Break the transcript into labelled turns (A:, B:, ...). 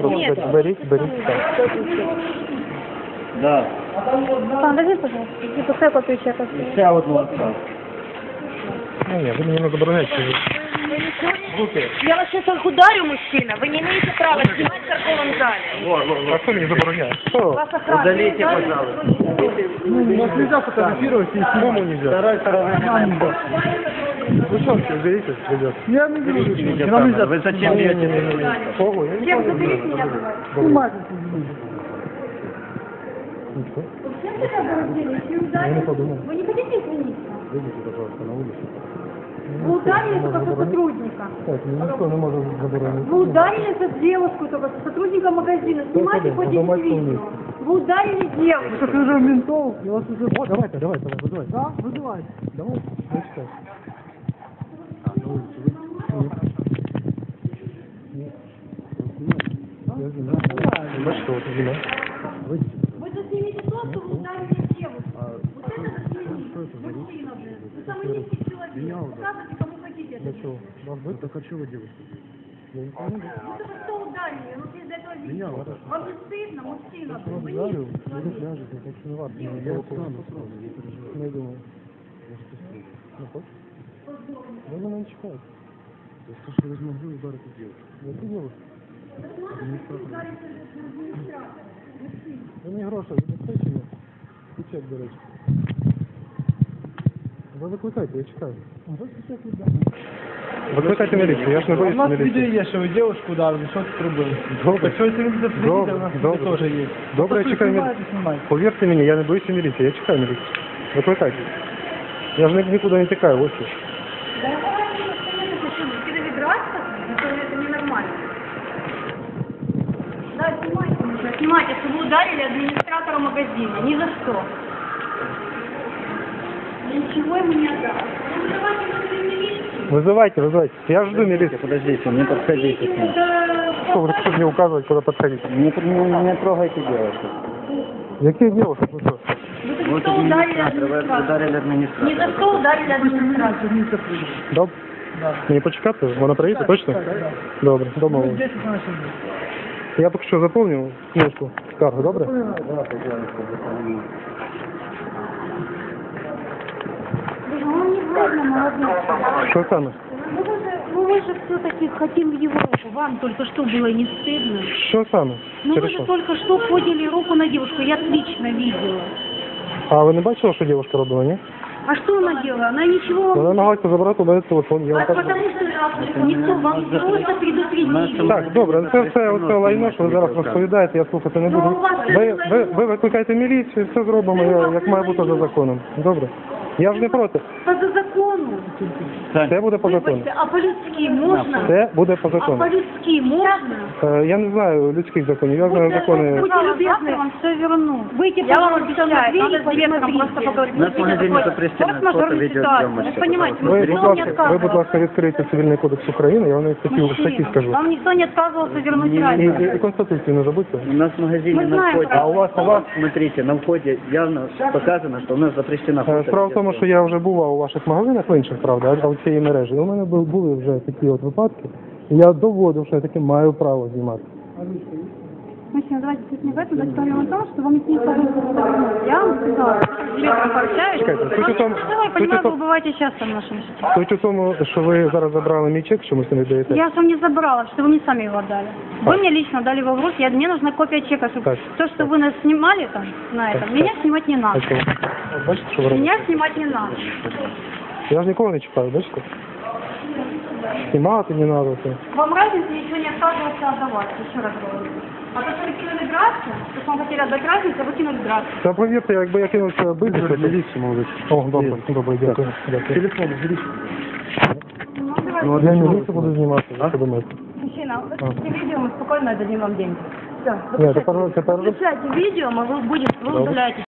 A: просто беріть.
B: Да.
C: Пан, дайте, пожалуйста, и пускай копию чека.
B: Ще одну оставь.
A: Ні, ви мені не забороняєте. Руки.
D: Я вас сейчас ударю, мужчина. Вы не имеете права снимать в торговом зале.
A: А хто мені забороняє? Хто?
D: Вас охрана.
B: Удалите, пожалуйста.
A: Нас нельзя фотографировать, и самому нельзя.
B: Второй стороны не надо.
A: Вы что, уберите, ребят?
B: Я не беру. Нам нельзя. Вы зачем бьете?
A: Кого? Я не
D: Всем
A: знаю.
D: заберите меня.
A: Ничего.
C: Зачем вы так раздели? Если
A: Я не
C: ударили,
A: подумал.
C: вы не хотите извиниться?
A: Выйдите, пожалуйста, на улицу.
C: Вы ударили только сотрудника.
A: Так, никто не может заборонить.
C: Вы ударили за девушку, только сотрудника магазина. Снимайте
A: Пойдем,
C: хоть
A: подумать
C: видео.
A: вместе.
C: Вы ударили девушку.
A: Так уже ментов, я вас уже... О, давайте, вызывайте. Да, вызывайте. Давай, начитай. На улицу вы. Бачите, вот вина. Выйдите.
C: Вы заснимите то, что вы ударили девушку. Вот это заснимите. Мужчина, блин. Вы самый низкий человек. Показывайте, кому хотите.
A: Для чего? Вас вы? Так а чего вы делаете? Я не понимаю.
C: Ну только что ударили? Ну без этого
A: Меня
C: видео.
A: вот.
C: Вам не стыдно, мужчина?
A: Я
C: Вы
A: ударил,
C: низкий
A: вы
C: человек.
A: ляжете, так что не важно. Я встану сразу, не переживаю. Ну, я думаю. Ну, хочешь? Да вы меня чекаете. Я скажу, что вы могли ударить девушку. Я ты девушка. Ви мені гроші забезпечені і чек, до речі. Ви викликайте, я чекаю. Викликайте міліцію, я ж не боюсь міліції.
B: У нас відео є, що ви дівчинку ударили, що тут робили?
A: Добре.
B: Так що якщо ви будете приїдете, у нас
A: Добре.
B: відео теж є.
A: Добре, я чекаю міліцію. Повірте мені, я не боюся міліції, я чекаю міліцію. Викликайте. Я ж нікуди не тікаю, ось тут.
C: Мужчина драться, это ненормально. Да, снимайте, нужно снимайте, что вы ударили администратора магазина. Ни за что. Я ничего ему не отдам.
A: Вызывайте. Я жду милицию.
B: Подождите, не подходите к ним.
A: Что вы хотите мне указывать, куда подходить?
B: Не трогайте девушку.
A: Какие девушки? Вы что?
C: Вы
B: Вот
C: только что ударили
B: администратор, вы ударили
C: администратора. Ни за
B: администратора.
C: что ударили администратора.
A: Да? Мені почекати? Вона приїде, точно? Добре, домовились. Я поки що заповнив книжку скаргу, добре?
C: Ну не вредно, молодец.
A: Що саме?
C: Ну вы же все-таки хотим в Европу. Вам только что было не стыдно?
A: Що саме?
C: Ну
A: Через
C: вы же
A: що?
C: только что подняли руку на девушку, я лично видела.
A: А ви не бачили, що дівчинка робила, ні?
C: А что она делала? Она ничего вам
A: Вона намагалася забрати у мене телефон. Я вам кажу.
C: потому что никто вам просто предупредили.
A: Так, добре, це лайно, що ви зараз розповідаєте, я слухати не буду. Ви викликайте міліцію, все зробимо, як має бути за законом. Добре? Я ж не проти.
C: По закону.
A: Це буде по закону.
C: Вибачте, а по-людськи можна?
A: Це буде по
C: А
A: закону.
C: по-людськи можна?
A: Я не знаю людських законів, я знаю закони.
C: Будьте любезны, вам все верну. Выйти,
D: Я вам
C: пожалуйста,
D: обещаю,
C: на дверь
D: надо
C: и
D: с директором просто
C: посмотрите.
D: поговорить.
B: У нас в магазине запрещено фото, видеосъемочка.
D: Вы понимаете,
A: Ви,
D: никто
A: будь
D: не
A: ласка, ви, будь
D: отказывался.
A: ласка, відкрийте Цивільний кодекс України, я вам навіть такі статті
C: Мужчина,
A: скажу.
C: вам никто не отказывался вернуть
A: І
C: разницу.
A: Конституцію не забудьте.
B: У нас в магазине
C: Мы
B: на
C: знаем,
B: входе,
C: а
A: у вас,
B: смотрите, на входе явно показано, что у нас запрещена фото.
A: Справа в тому, що я вже бував у ваших магазинах, в інших, правда, а в цієї мережі. У мене були вже такі от випадки, і я доводив, що я таки маю право знімати.
C: Мужчина, давайте суть не в этом, давайте поговорим о том, что вам никто не отказывался. Я вам сказала, с директором пообщаюсь.
A: Чекайте, суть у тому,
C: Я понимаю,
A: суть у
C: вы бываете часто в нашем сети.
A: суть у тому, що ви зараз забрали мій чек, чомусь не віддаєте.
C: Я же вам не забрала, что вы мне сами его отдали. Вы мне лично дали его в руки, мне нужна копия чека, чтобы
A: Так.
C: то, что вы нас снимали там, на этом,
A: Так,
C: меня
A: так.
C: снимать не надо.
A: А чому? От бачите, що ви робите?
C: Меня снимать не надо.
A: Я ж нікого не чекаю, бачите? Знімати не треба. Все.
C: Вам разница ничего не отказывался отдавать, еще раз говорю. А то, что вы кинули драться, то, что вам хотели отдать разницу, вы кинули драться.
A: Та повірте, якби я кинувся бити, то міліцію, молодець. О, добре, дякую. Телефон,
C: Ну, давайте.
A: Ну, я міліцію буду знімати, що думаєте?
D: Мужчина, выключите видео, мы спокойно дадим вам деньги. Все,
A: Ні, тепер
C: Выключайте видео, мы вы удаляете.